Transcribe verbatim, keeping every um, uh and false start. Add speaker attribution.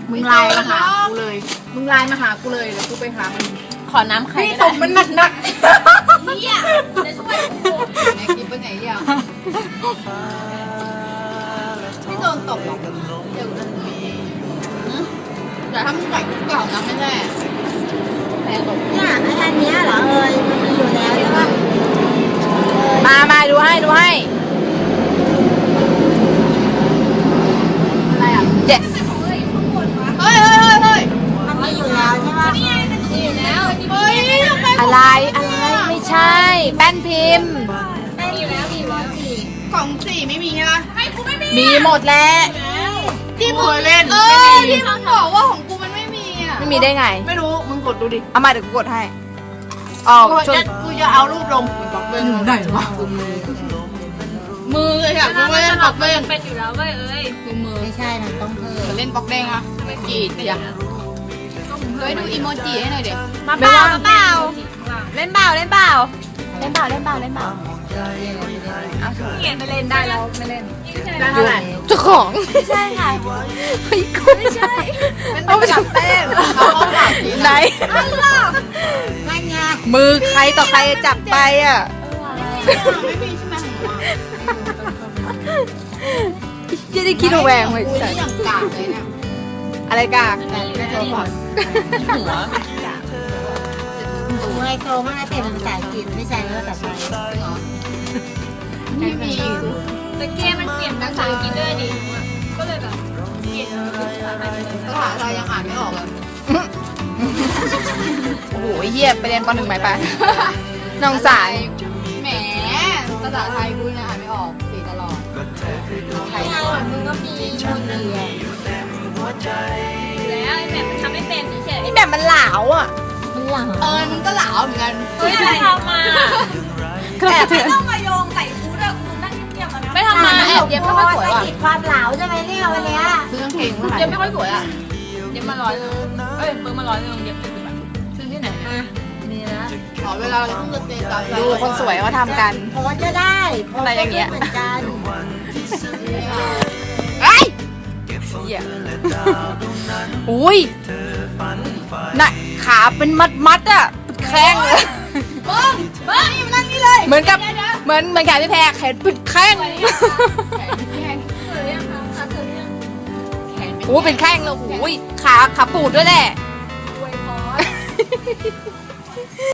Speaker 1: มึงไลน์มาหากูเลยมึงไลน์มาหากูเลยเดี๋ยวกูไปหามัน
Speaker 2: ขอน้ำไข่
Speaker 1: พี่ตบมันหนักหนัก
Speaker 2: เหี้ยจะช่วยกู
Speaker 1: ไหนคลิปเป็นไหนอ่ะไม่โดนตบหรอกเดี๋ยวนะอย่าทำใส่เก่านะไม่แน่แพ้ตบ
Speaker 3: เนี่ยไอ้อันเนี้ยเหรอเอ่ยมันมีอยู่แล้วใช่ปะ
Speaker 2: มามาดูให้ดูให้
Speaker 1: อะไรอ่ะ
Speaker 2: เจ็ด
Speaker 1: เฮ้ยเฮ้ยเฮ้ยเฮ้ย
Speaker 3: มันมีอยู่แล้วใช่ปะ
Speaker 2: นี่ไงมันมีอยู่แล้ว
Speaker 1: เฮ้ยทำไม
Speaker 2: อะไรอะไรไม่ใช่ แป้นพิมพ์
Speaker 3: ไม่มีอยู่แล้วมีอยู่แล้วสิ
Speaker 1: กล่องสี่ไม่มีใช่ไหมให้กูไม่มี
Speaker 2: มีหมดแล้ว
Speaker 1: ที่มึงเล่นเออที่มึงบอกว่าของกูมันไม่มีอ่ะ
Speaker 2: ไม่มีได้ไง
Speaker 1: ไม่รู้มึงกดดูดิ
Speaker 2: เอามาเดี๋ยวกูกดให้อ๋อ
Speaker 1: กู
Speaker 2: ช่ว
Speaker 1: จะ
Speaker 2: ย
Speaker 1: กูจะเอารูปลงบล็อกเบ้งไหนวะมือเลยค่ะกูไม่เล่นบล็อกเบ้ง
Speaker 4: เป็นอยู่แล้วเว้ยเอ้ย
Speaker 1: คือมือ
Speaker 3: ไม่ใช่มันต้องเพิ่ม
Speaker 1: เล่นบล็อกเบ้งอะกรีดอย่าเฮ้ยดูอีโมจิให้หน่อยเด็ก
Speaker 2: มาเปล่ามาเปล่าเล่นเปล่าเล่นเปล่าเล่นเปล่าเล่นเปล่าเล่นเปล่า
Speaker 4: เนี่ยไม่เล่นได้แล้วไม่เล่น
Speaker 1: ได้เท่าไหร่
Speaker 2: เจ้าของ
Speaker 3: ไม่ใช่ค่ะ
Speaker 2: เฮ้ยกูไม่ใช่
Speaker 1: เอาไปจับแป้งเขาเขาฝากกิน
Speaker 2: ไหน
Speaker 3: นั่นไง
Speaker 2: มือใครต่อใครจับไปอ่ะ
Speaker 1: ไม่มีใช่ไหมของหนู
Speaker 2: ยังได้คิดระแวงเลย
Speaker 1: กูนี่ยังกากเลยเนี่ย
Speaker 2: อะไรกาก
Speaker 1: แต่ไม่โทรก่อน
Speaker 3: ถูไมโครมันจะเป็นภาษาอังกฤษไม่ใช่ภาษาไทย
Speaker 1: ไม่มี
Speaker 4: แต่เกมมันเปลี่ยนภาษาอังกฤษด้วยดิก็เลยแบบเปลี่ยนเป็นภาษาไทยเลย
Speaker 1: ภาษาไทยยังอ่านไม่ออกเลย
Speaker 2: โอ้โหเหี้ยไปเรียนปหนึ่งไหมไปน้องสาย
Speaker 1: แหมภาษาไทยกูเนี่ยอ่านไม่ออกสีตลอดไทย
Speaker 3: ไม่เอามึงก็มีมูลเหรียญ
Speaker 4: แล้วไอ้แบบมันทำไม่เป็นเฉย
Speaker 2: นี่แบบมันเหลาวอ่ะ
Speaker 3: มันหลัง
Speaker 1: เออมันก็เหลาเหมือนกัน
Speaker 4: เฮ้ยอะไรทำมา
Speaker 2: แอบ
Speaker 4: ไม่ต้องมาโยงใส่กูด้วยกูนั่งเงียบๆแล้วนะ
Speaker 2: ไม่ทำมาแอบเย็บไม่ค่อยสวยว่ะ
Speaker 3: ติดความเหลาใช่ไหมเนี่ยวันเนี้ย
Speaker 1: ซื้อกางเกงเท่าไหร่
Speaker 2: เย็บไม่ค่อยสวยอ่ะ
Speaker 4: เดี๋ยวมาร้อยนึงเอ้ยเพิ่มมาร้อยนึงเดี๋ยวเป็นแบบ
Speaker 1: ซื้อที่ไหน
Speaker 3: อ่ะนี่นะ
Speaker 1: ขอเวลาเราต้องเตะตา
Speaker 2: ดูคนสวยเขาทำกัน
Speaker 3: โพสก็ได้โพส
Speaker 2: อะไรอย่างเงี้ย
Speaker 3: เหมือนกัน
Speaker 2: ไอ้เหี้ยอุ้ยน่ะขาเป็นมัดมัดๆอ่ะเป็นแข้งเลย
Speaker 1: เบิ้งเบิ้งนี่มันนั่งนี่เลย
Speaker 2: เหมือนกับเหมือนเหมือนแขนพี่แพรแขนเป็นแข้ง
Speaker 1: แขนแขน
Speaker 4: เสือยังคะขาเสือยัง
Speaker 1: แขน
Speaker 2: โอ้เป็นแข้งเลยโอ้ยขาขาปูดด้วยแหละ
Speaker 4: อวยพร